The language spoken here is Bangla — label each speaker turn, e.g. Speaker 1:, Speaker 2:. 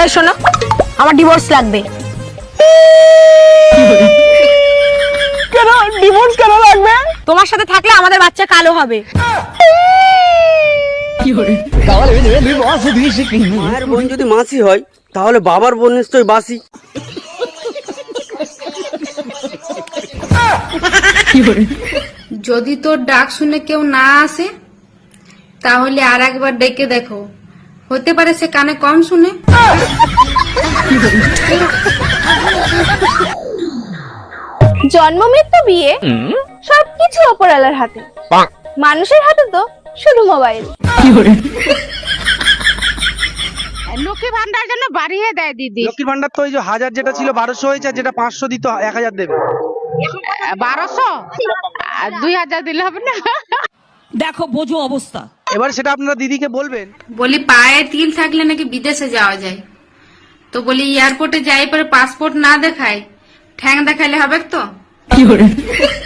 Speaker 1: এই শোনো, আমার ডিভোর্স লাগবে।
Speaker 2: কেন ডিভোর্স কেন লাগবে?
Speaker 1: তোমার সাথে থাকলে আমাদের বাচ্চা কালো হবে।
Speaker 3: মায়ের বোন যদি মাসি হয় তাহলে বাবার বোন নিশ্চয়ই বাসি।
Speaker 4: যদি তোর ডাক শুনে কেউ না আসে তাহলে আর একবার ডেকে দেখো, হতে পারে সে কানে কম শুনে।
Speaker 5: জন্ম মৃত্যু বিয়ে সবকিছু ওপরওয়ালার হাতে, মানুষের হাতে তো শুধু মোবাইল।
Speaker 6: লক্ষ্মী ভান্ডার জন্য বাড়িয়ে দেয় দিদি।
Speaker 3: লক্ষ্মীর ভান্ডার তো ওই যে 1000 যেটা ছিল 1200 হয়েছে, আর যেটা 500 দিত 1000 দেবে।
Speaker 6: 1200 আর 2000 দিলে হবে না?
Speaker 2: দেখো বোঝো অবস্থা।
Speaker 3: এবার সেটা আপনারা দিদিকে বলবেন।
Speaker 4: বলি পায়ে তিল থাকলে নাকি বিদেশে যাওয়া যায়, তো বলি এয়ারপোর্টে যাই পরে পাসপোর্ট না দেখায় ঠ্যাং দেখাইলে হবে তো?